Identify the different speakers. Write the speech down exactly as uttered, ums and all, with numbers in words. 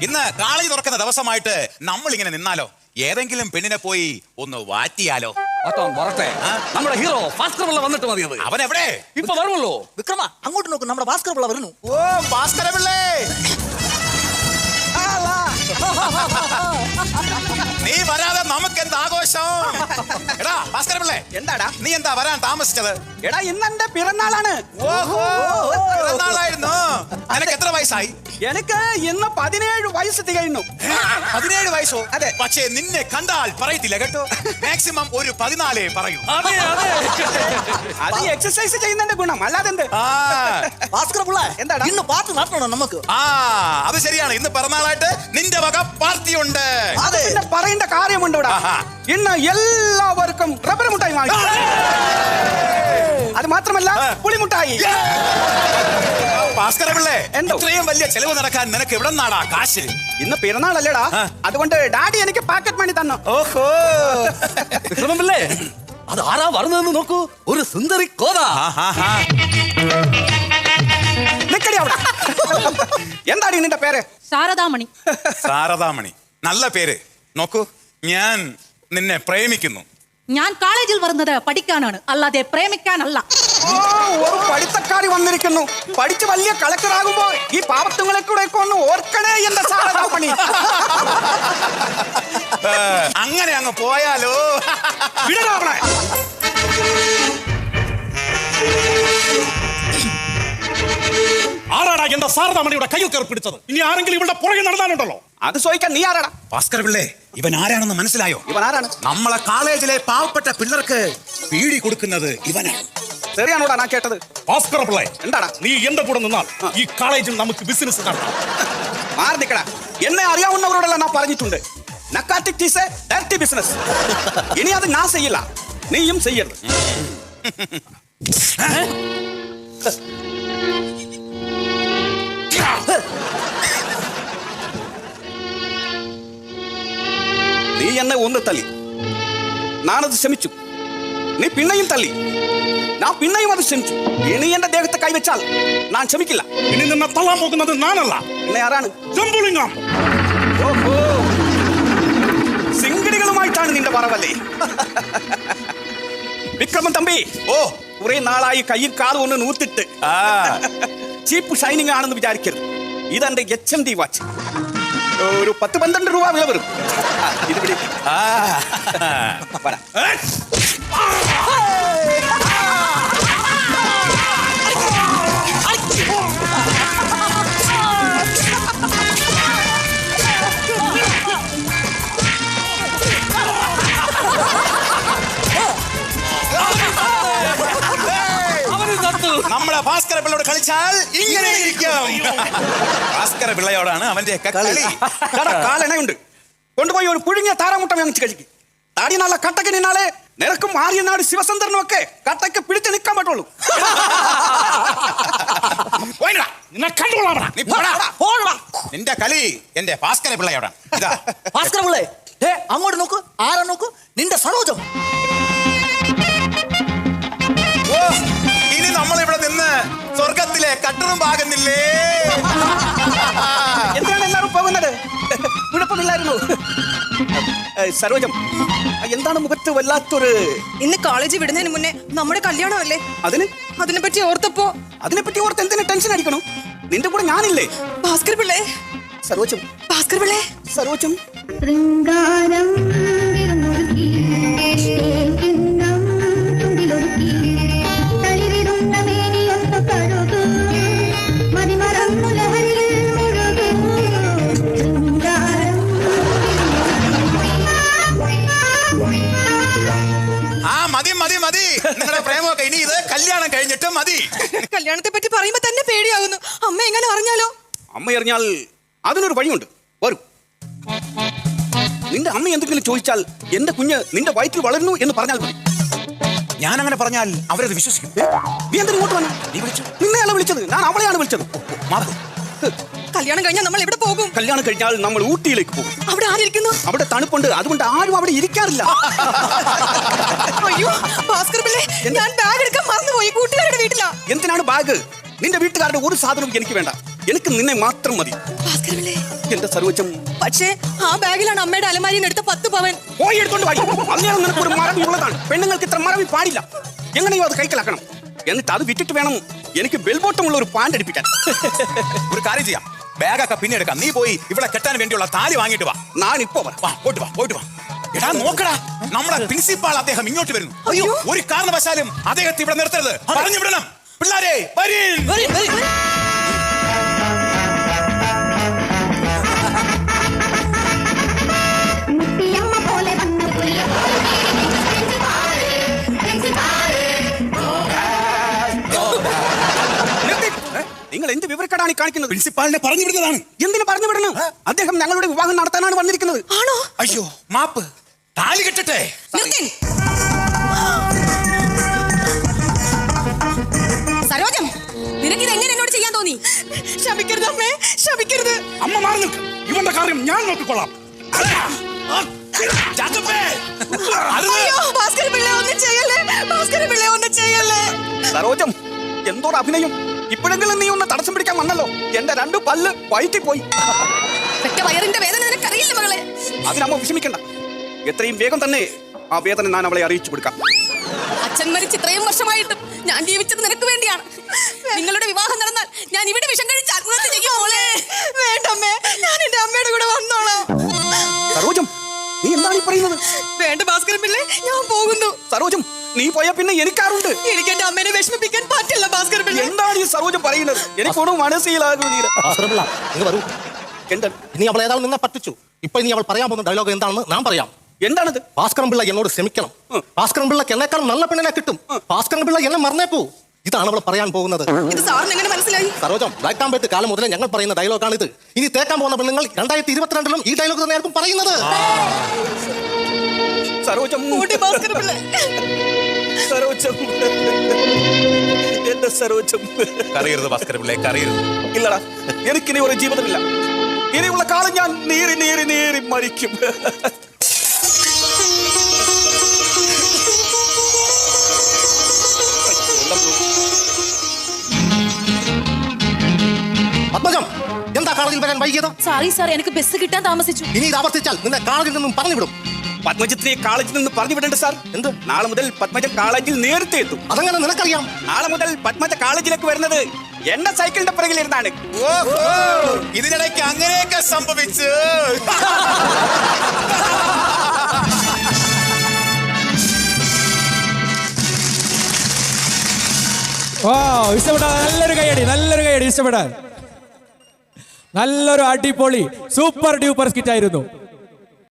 Speaker 1: ഇന്ന് കോളേജ് തുറക്കുന്ന ദിവസമായിട്ട് നമ്മൾ ഇങ്ങനെ നിന്നാലോ? ഏതെങ്കിലും പെണ്ണിനെ പോയി ഒന്ന് വാറ്റിയാലോ?
Speaker 2: നമ്മുടെ ഹീറോ ഭാസ്കർ പിള്ള വന്നിട്ട് മതിയത്.
Speaker 1: അവൻ എവിടെ?
Speaker 2: ഇപ്പൊ വരുമല്ലോ.
Speaker 3: വിക്രമ അങ്ങോട്ട് നോക്കും, നമ്മുടെ ഭാസ്കർ പിള്ള വരുന്നു.
Speaker 1: ഓ ഭാസ്കര പിള്ളേ, നീ വരാതെ നമുക്ക് എന്ത് ആഘോഷം? എടാ ഭാസ്കര പിള്ളേ,
Speaker 3: എന്താടാ
Speaker 1: നീ എന്താ വരാൻ താമസിച്ചത്?
Speaker 3: എടാ ഇന്ന് എന്റെ പിറന്നാളാണ്.
Speaker 1: ഓഹോ, പിറന്നാളായിരുന്നു. നിനക്ക് എത്ര വയസ്സായി?
Speaker 3: എനിക്ക് ഇന്ന് പതിനേഴ് വയസ്സ് തികയുന്നു.
Speaker 1: പതിനേഴ് വയസ്സോ?
Speaker 3: അതെ.
Speaker 1: പക്ഷേ നിന്നെ കണ്ടാൽ പറയത്തില്ല കേട്ടോ. മാക്സിമം ഒരു പതിനാലേ പറയൂ.
Speaker 2: അതെ അതെ,
Speaker 3: അത് എക്സസൈസ് ചെയ്യുന്നതിന്റെ ഗുണം, അല്ലാതെ എന്ത്?
Speaker 1: ആ
Speaker 3: ഭാസ്കർ പിള്ള എന്താടാ ഇന്ന് പാർട്ടി നടത്തണം നമുക്ക്.
Speaker 1: ആ അത് ശരിയാണ്. ഇന്ന് പിറന്നാളായിട്ട് നിന്റെ വക പാർട്ടി ഉണ്ട്.
Speaker 3: അത് പിന്നെ പറയേണ്ട കാര്യമുണ്ട് ഇവിടെ. ഇന്ന് എല്ലാവർക്കും റബ്ബർ മുട്ടായി വാങ്ങി. അത് മാത്രമല്ല പുളിമുട്ടായി.
Speaker 1: ഭാസ്കര പിള്ളേ,
Speaker 3: എന്തോ?
Speaker 1: ഇത്രയും വലിയ ചെലവ് നടക്കാൻ നിനക്ക് എവിടെ നിന്നാടാ കാശ്?
Speaker 3: ഇന്ന് പിറന്നാളല്ലേടാ, അതുകൊണ്ട് ഡാഡി എനിക്ക് പാക്കറ്റ് മണി തന്നു.
Speaker 1: ഓഹോ,
Speaker 2: വിക്രമൻ പിള്ളേ, അത് ആരാ വരുന്നതെന്ന് നോക്കൂ. ഒരു സുന്ദരി കോത.
Speaker 3: നിക്കടി അവിടെ. എന്താടി നിന്റെ പേര്?
Speaker 4: ശാരദാമണി.
Speaker 1: ശാരദാമണി, നല്ല പേര്. നോക്കൂ, ഞാൻ നിന്നെ പ്രേമിക്കുന്നു.
Speaker 4: ഞാൻ കോളേജിൽ വരുന്നത് പഠിക്കാനാണ്, അല്ലാതെ പ്രേമിക്കാനല്ല.
Speaker 3: ഓ, ഒരു പഠിത്തക്കാരി വന്നിരിക്കുന്നു. പഠിച്ച് വലിയ കളക്ടർ ആകുമ്പോ ഈ പാവത്തുങ്ങളെ കൂടെ ഒന്ന് ഓർക്കണേ എന്റെ ശാരദാമണി.
Speaker 1: അങ്ങനെ അങ്ങ് പോയാലോ?
Speaker 5: ആരാടാ എന്റെ ശാരദാമണിയുടെ കയ്യിൽ കയറി പിടിച്ചത്? ഇനി ആരെങ്കിലും ഇവിടെ പുറകെ നടന്നാലുണ്ടല്ലോ.
Speaker 3: അത് ചോദിക്കാൻ നീ ആരാടാ?
Speaker 1: ഭാസ്കര പിള്ളേ, ഇവൻ ആരാണെന്ന് മനസ്സിലായോ?
Speaker 3: ഇവൻ ആരാണ്?
Speaker 1: നമ്മളെ കോളേജിലെ പാവപ്പെട്ട പിള്ളേർക്ക് പീടി കൊടുക്കുന്നത് ഇവനാണ്.
Speaker 3: ശരിയാണോടാ ഞാൻ കേട്ടത്?
Speaker 5: ഭാസ്കര പിള്ളേ,
Speaker 3: എന്താടാ?
Speaker 5: നീ എന്റെ കൂടെ നിന്നാൽ ഈ കോളേജിൽ നമുക്ക് ബിസിനസ് നടത്താം.
Speaker 3: മാറി നിക്കടാ. എന്നെ അറിയാവുന്നവരോടെല്ലാം ഞാൻ പറഞ്ഞിട്ടുണ്ട്, narcotic is a direct business. ഇനി അത് ഞാൻ ചെയ്യില്ല, നീയും ചെയ്യരുത്. നീ എന്നെ ഒന്ന് തല്ലി, ഞാനത് ക്ഷമിച്ചു. നീ പിന്നെയും തല്ലി, ഞാൻ പിന്നെയും അത് ക്ഷമിച്ചു. ഇനി എന്റെ ദേഹത്തെ കൈവച്ചാൽ ഞാൻ ക്ഷമിക്കില്ല.
Speaker 5: ഇനി നിന്നെ തള്ളാൻ പോകുന്നത് ഞാനല്ല,
Speaker 3: പിന്നെ ആരാണ്?
Speaker 5: ജംബുലിംഗം.
Speaker 3: ഓഹോ, സിംഗടികളുമായിട്ടാണ് നിന്റെ പറവല്ലേ? വിക്രമൻ തമ്പി,
Speaker 1: ഓ
Speaker 3: കുറെ നാളായി കയ്യിൽ കാലും ഒന്ന് നൂത്തിട്ട് ചീപ്പ് ഷൈനിങ് ആണെന്ന് വിചാരിക്കരുത്. ഇതെന്റെ എച്ച് എം ഡി വാച്ച്. ഒരു പത്ത് പന്ത്രണ്ട് രൂപ വില വരും. ഇത് പിടി.
Speaker 1: നമ്മളെ ഭാസ്കര പിള്ളയോട് കളിച്ചാൽ ഇങ്ങനെ ഇരിക്കും. ഭാസ്കര പിള്ളയോടാണ് അവന്റെ കളി.
Speaker 3: കാലെണ്ണയുണ്ട്, കൊണ്ടുപോയി ഒരു പുഴുങ്ങിയ താറാമുട്ട വാങ്ങിച്ച് കഴിക്കും. താടി നല്ല കട്ടക്ക് നിന്നാലേ നിനക്കും ആര്യനാട് ശിവസുന്ദരനും ഒക്കെ കട്ടക്ക് പിടിച്ച് നിൽക്കാൻ പറ്റുള്ളൂ.
Speaker 1: നിന്റെ കളി എന്റെ ഭാസ്കര പിള്ളയോടാണ്. ഇതാ
Speaker 3: ഭാസ്കര പിള്ളേ, അങ്ങോട്ട് നോക്ക്. ആരാ നോക്ക്? നിന്റെ സരോജം.
Speaker 1: ഇനി നമ്മളിവിടെ നിന്ന് സ്വർഗത്തിലെ കട്ടറും പാകുന്നില്ലേ?
Speaker 3: എന്തിനാണ് എല്ലാവരും പോകുന്നത്? കുഴപ്പമില്ലായിരുന്നു. സരോജം, എന്താണ് മുഖത്ത് വല്ലാത്തൊരു?
Speaker 6: ഇന്ന് കോളേജ് വിടുന്നതിന് മുന്നേ നമ്മുടെ കല്യാണമല്ലേ?
Speaker 3: അതിന്
Speaker 6: അതിനെ പറ്റി ഓർത്തപ്പോ
Speaker 3: അതിനെപ്പറ്റി ഓർത്ത് എന്തിനാ ടെൻഷൻ അടിക്കണം? നിന്റെ കൂടെ ഞാനില്ലേ?
Speaker 6: ഭാസ്കർ പിള്ളേ,
Speaker 3: സരോജം,
Speaker 6: ഭാസ്കർ പിള്ളേ,
Speaker 3: സരോജം.
Speaker 1: ആ മതി മതി മതി, നിങ്ങളുടെ പ്രേമമൊക്കെ ഇനി ഇത് കല്യാണം കഴിഞ്ഞിട്ട് മതി.
Speaker 6: കല്യാണത്തെ പറ്റി പറയുമ്പോ തന്നെ പേടിയാവുന്നു. അമ്മ എങ്ങനെ അറിഞ്ഞാലോ?
Speaker 3: അമ്മ അറിഞ്ഞാൽ അതിനൊരു വഴിയുണ്ട്, വരും. നിന്റെ അമ്മ എന്തെങ്കിലും ചോദിച്ചാൽ എന്റെ കുഞ്ഞ് നിന്റെ വയറ്റിൽ വളരുന്നു എന്ന് പറഞ്ഞാൽ മതി.
Speaker 1: ഞാൻ അങ്ങനെ പറഞ്ഞാൽ അവരത് വിശ്വസിക്കും.
Speaker 3: നീ എന്തിനു ഇങ്ങോട്ട് വന്നു?
Speaker 1: നീ വിളിച്ചു.
Speaker 3: നിന്നെയല്ല വിളിച്ചത്, ഞാൻ അവളെയാണ് വിളിച്ചത്.
Speaker 1: മാറും.
Speaker 6: കല്യാണം കഴിഞ്ഞാൽ നമ്മൾ എവിടെ പോകും?
Speaker 3: കല്യാണം കഴിഞ്ഞാൽ നമ്മൾ ഊട്ടിയിലേക്ക് പോകും.
Speaker 6: അവിടെ ആരിയിരിക്കുന്നു?
Speaker 3: അവിടെ തണുപ്പുണ്ട്, അതുകൊണ്ട് ആരും അവിടെ ഇരിക്കാറില്ല.
Speaker 6: അയ്യോ ഭാസ്കർ പിള്ളേ, ഞാൻ ബാഗ് എടുക്കാൻ മറന്നുപോയി. കൂട്ടുകാരുടെ വീട്ടിലാ.
Speaker 3: എന്തിനാണ് ബാഗ്? നിന്റെ വീട്ടുകാരുടെ ഒരു സാധനവും എനിക്ക് വേണ്ട. എനിക്ക് നിന്നെ മാത്രം മതി
Speaker 6: ഭാസ്കര പിള്ളേ
Speaker 3: എന്റെ സരോജം.
Speaker 6: പക്ഷേ ആ ബാഗിലാണ് അമ്മയുടെ അലമാരിയിൽ നിന്ന് എടുത്ത പത്ത് പവൻ.
Speaker 3: പോയി എടുത്തോണ്ട് വായി. അങ്ങനെ നിനക്ക് ഒരു മറവി ഉള്ളതാണ്. പെണ്ണുങ്ങൾക്ക് ഇത്ര മറവി പാടില്ല. എങ്ങനെയോ അത് കൈക്കലാക്കണം. എന്നിട്ട് അത് വിറ്റിട്ട് വേണം എനിക്ക് ബെൽബോട്ടമുള്ള ഒരു പാൻറ് അടിപ്പിക്കാൻ.
Speaker 1: ഒരു കാര്യം ചെയ്യാം, ബാഗൊക്കെ പിന്നെ എടുക്കാം. നീ പോയി ഇവിടെ കെട്ടാൻ വേണ്ടിയുള്ള താലി വാങ്ങിട്ട് വാ.
Speaker 3: ഞാൻ ഇപ്പോ വരാം.
Speaker 1: വാ, പോയിട്ട് വാ, പോയിട്ട് വാ. എടാ നോക്കടാ, നമ്മുടെ പ്രിൻസിപ്പാൾ അദ്ദേഹം ഇങ്ങോട്ട് വരുന്നു.
Speaker 6: അയ്യോ.
Speaker 1: ഒരു കാരണവശാലും അദ്ദേഹത്തെ ഇവിടെ നിർത്തരുത്. പറഞ്ഞു വിടണം. പിള്ളാരെ വരീൻ.
Speaker 6: വരും, വരും, വരും.
Speaker 3: നിർത്തി. നിങ്ങൾ എന്ത് വിവരക്കേടാണ് ഈ കാണിക്കുന്നത്?
Speaker 1: പ്രിൻസിപ്പാളിനെ പറഞ്ഞു വിടുന്നതാണ്.
Speaker 3: എന്തിനു പറഞ്ഞു വിടണം? അദ്ദേഹം ഞങ്ങളുടെ വിവാഹം നടത്താനാണ് വന്നിരിക്കുന്നത്.
Speaker 6: ആണോ?
Speaker 1: അയ്യോ മാപ്പ്. താലി കെട്ടട്ടെ.
Speaker 6: നിർത്തിൻ. സരോജം, നിനക്കിത് എങ്ങനെ എന്നോട് ചെയ്യാൻ തോന്നി? ശപിക്കരുത് അമ്മേ, ശപിക്കരുത്.
Speaker 5: അമ്മ മാറി നിൽക്ക്. ഇവന്റെ കാര്യം ഞാൻ നോക്കിക്കൊള്ളാം.
Speaker 1: ചാക്കപ്പേ, അരുത്.
Speaker 6: അയ്യോ, ഭാസ്കര പിള്ളേ ഒന്നും ചെയ്യല്ലേ, ഭാസ്കര പിള്ളേ ഒന്നും ചെയ്യല്ലേ.
Speaker 3: സരോജം, എന്തോട് അഭിനയം. ഇപ്പോഴെങ്കിലും നീ ഒന്ന് തടസ്സം പിടിക്കാൻ വന്നല്ലോ. എന്റെ രണ്ടു പല്ല് വയറ്റി പോയി.
Speaker 6: പെറ്റ വയറിന്റെ വേദന നിനക്കറിയില്ല മകളെ.
Speaker 3: അതിനമ്മ വിഷമിക്കണ്ട. എത്രയും വേഗം തന്നെ ആ വേദന ഞാൻ അവളെ അറിയിച്ചു കൊടുക്കാം.
Speaker 6: അച്ഛൻ മരിച്ച് ഇത്രയും വർഷമായിട്ടും ഞാൻ ജീവിച്ചത് നിനക്ക് വേണ്ടിയാണ്. നിങ്ങളുടെ വിവാഹം നടന്നാൽ ഞാൻ ഇവിടെ വിഷം കഴിച്ച് ആത്മഹത്യ ചെയ്യും മോളെ. വേണ്ടമ്മേ, ഞാൻ എന്റെ അമ്മയുടെ കൂടെ വന്നോളാം.
Speaker 3: സരോജം, നീ എന്താണ് ഈ പറയുന്നത്?
Speaker 6: വേണ്ട ഭാസ്കര പിള്ളേ, ഞാൻ പോകുന്നു.
Speaker 3: സരോജം, നീ പോയാ പിന്നെ എനിക്കാറുണ്ട്.
Speaker 6: എനിക്ക് എന്റെ അമ്മേനെ വിഷമിപ്പിക്കാൻ പറ്റില്ല ഭാസ്കര പിള്ളേ.
Speaker 3: എന്താണ് ഈ സരോജം പറയുന്നത്? എനിക്കൊന്നും മനസ്സിലാകുന്നില്ല.
Speaker 2: ഭാസ്കരപിള്ള, ഇങ്ങ് വരൂ.
Speaker 3: എന്താണ്
Speaker 2: ഇനി അവൾ ഏതാളും നിന്നെ പറ്റിച്ചു. ഇപ്പൊ ഇനി അവൾ പറയാൻ പോകുന്ന ഡയലോഗ് എന്താണെന്ന് ഞാൻ പറയാം.
Speaker 3: എന്താണത്?
Speaker 2: ഭാസ്കരൻ പിള്ള എന്നോട് ക്ഷമിക്കണം.
Speaker 3: ഉം.
Speaker 2: ഭാസ്കരൻ പിള്ളക്ക് എന്നെക്കാളും നല്ല പെണ്ണിനെ കിട്ടും. ഭാസ്കരൻ പിള്ള എന്നെ മറന്നേപ്പോ. ഇതാണ് അവൾ പറയാൻ പോകുന്നത്.
Speaker 6: ഇത് സാറിന് എങ്ങനെ മനസ്സിലായി?
Speaker 2: സരോജം, ബ്ലാക്ക് ആൻഡ് വൈറ്റ് കാലം മുതലേ ഞങ്ങൾ പറയുന്ന ഡയലോഗാണ് ഇത്. ഇനി തേക്കാൻ പോകുന്ന പെണ്ണുങ്ങൾ രണ്ടായിരത്തി ഇരുപത്തിരണ്ടിലും ഈ ഡയലോഗ് തന്നെയായിരിക്കും പറയുന്നത്.
Speaker 3: സരോജം,
Speaker 6: കൂട്ടി ഭാസ്കര പിള്ളേ.
Speaker 3: സരോജം, എന്റെ സരോജം.
Speaker 1: കറിയരുത് ഭാസ്കര പിള്ളേ, കറിയരുത്.
Speaker 3: ഇല്ലടാ, എനിക്കിനി ഒരു ജീവിതമില്ല. ഇനിയുള്ള കാലം ഞാൻ നീറി നീറി നീറി മരിക്കും.
Speaker 2: പത്മജം, എന്താ കോളേജിൽ വരാൻ വൈകിയത്?
Speaker 4: സോറി സാർ, എനിക്ക് ബസ് കിട്ടാൻ താമസിച്ചു.
Speaker 2: ഇനി ഇത് ആവർത്തിച്ചാൽ നിന്നെ കോളേജിൽ നിന്നും പറഞ്ഞു വിടും.
Speaker 3: പത്മജത്തിനെ കോളേജിൽ നിന്ന് പറഞ്ഞു വിടണ്ട സാർ.
Speaker 2: എന്ത്?
Speaker 3: നാളെ മുതൽ പത്മജ കോളേജിൽ നേരത്തെ എത്തും.
Speaker 2: അതങ്ങനെ നിനക്കറിയാം.
Speaker 3: നാളെ മുതൽ പത്മജ കോളേജിലേക്ക് വരുന്നത് എന്റെ സൈക്കിളിന്റെ പിറകിലിരുന്നാണ്.
Speaker 1: ഓഹോ, ഇതിനിടയ്ക്ക് അങ്ങനെയൊക്കെ സംഭവിച്ചു.
Speaker 7: ഓ ഇഷ്ടപ്പെട്ട, നല്ലൊരു കൈയടി, നല്ലൊരു കൈയടി, ഇഷ്ടപ്പെടാൻ. നല്ലൊരു അടിപൊളി സൂപ്പർ ഡ്യൂപ്പർ സ്കിറ്റ് ആയിരുന്നു.